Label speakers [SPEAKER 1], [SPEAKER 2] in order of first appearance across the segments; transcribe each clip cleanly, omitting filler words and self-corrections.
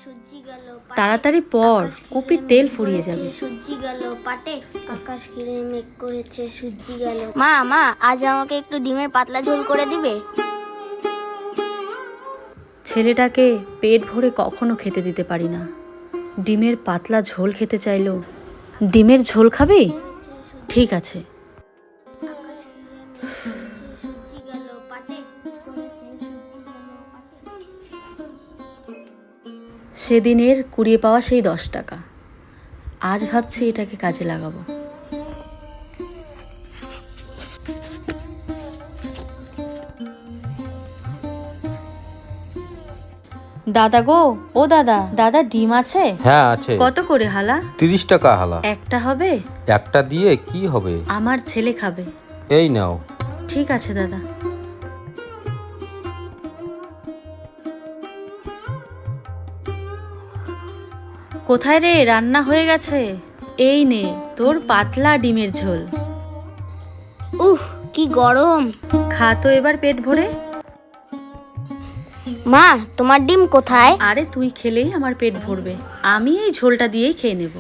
[SPEAKER 1] সূর্যি গেল
[SPEAKER 2] তাড়াতাড়ি পর, কপির তেল ফুরিয়ে যাবে।
[SPEAKER 1] সূর্যি গেল পাটে, আকাশ ঘিরে মেঘ করেছে সূর্যি গেল। মা মা, আজ আমাকে একটু ডিমের পাতলা ঝোল করে দিবে?
[SPEAKER 2] ছেলেটাকে পেট ভরে কখনো খেতে দিতে পারি না। ডিমের পাতলা ঝোল খেতে চাইলো। ডিমের ঝোল খাবি? ঠিক আছে।
[SPEAKER 1] আকাশ ঘিরে মেঘ করেছে সূর্যি গেল পাটে, করেছে সূর্যি গেল পাটে।
[SPEAKER 2] সেদিনের কুড়িয়ে পাওয়া সেই 10 টাকা, আজ ভাবছি এটাকে কাজে লাগাবো। দাদা গো, ও দাদা, দাদা ডিম আছে?
[SPEAKER 3] হ্যাঁ আছে।
[SPEAKER 2] কত করে হালা?
[SPEAKER 3] 30 টাকা হালা।
[SPEAKER 2] একটা হবে?
[SPEAKER 3] একটা দিয়ে কি হবে?
[SPEAKER 2] আমার ছেলে খাবে।
[SPEAKER 3] এই নাও।
[SPEAKER 2] ঠিক আছে দাদা। কোথায় রে, রান্না হয়ে গেছে। এই নে তোর পাতলা ডিমের ঝোল।
[SPEAKER 1] কি গরম!
[SPEAKER 2] খা তো এবার পেট ভরে।
[SPEAKER 1] মা, তোমার ডিম কোথায়?
[SPEAKER 2] আরে তুই খেলেই আমার পেট ভরবে, আমি এই ঝোলটা দিয়েই খেয়ে নেব।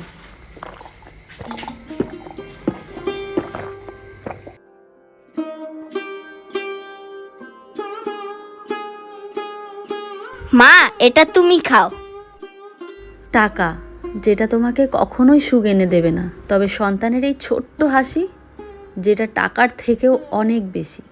[SPEAKER 1] মা, এটা তুমি খাও।
[SPEAKER 2] টাকা, যেটা তোমাকে কখনোই সুখ এনে দেবে না, তবে সন্তানের এই ছোট্ট হাসি, যেটা টাকার থেকেও অনেক বেশি।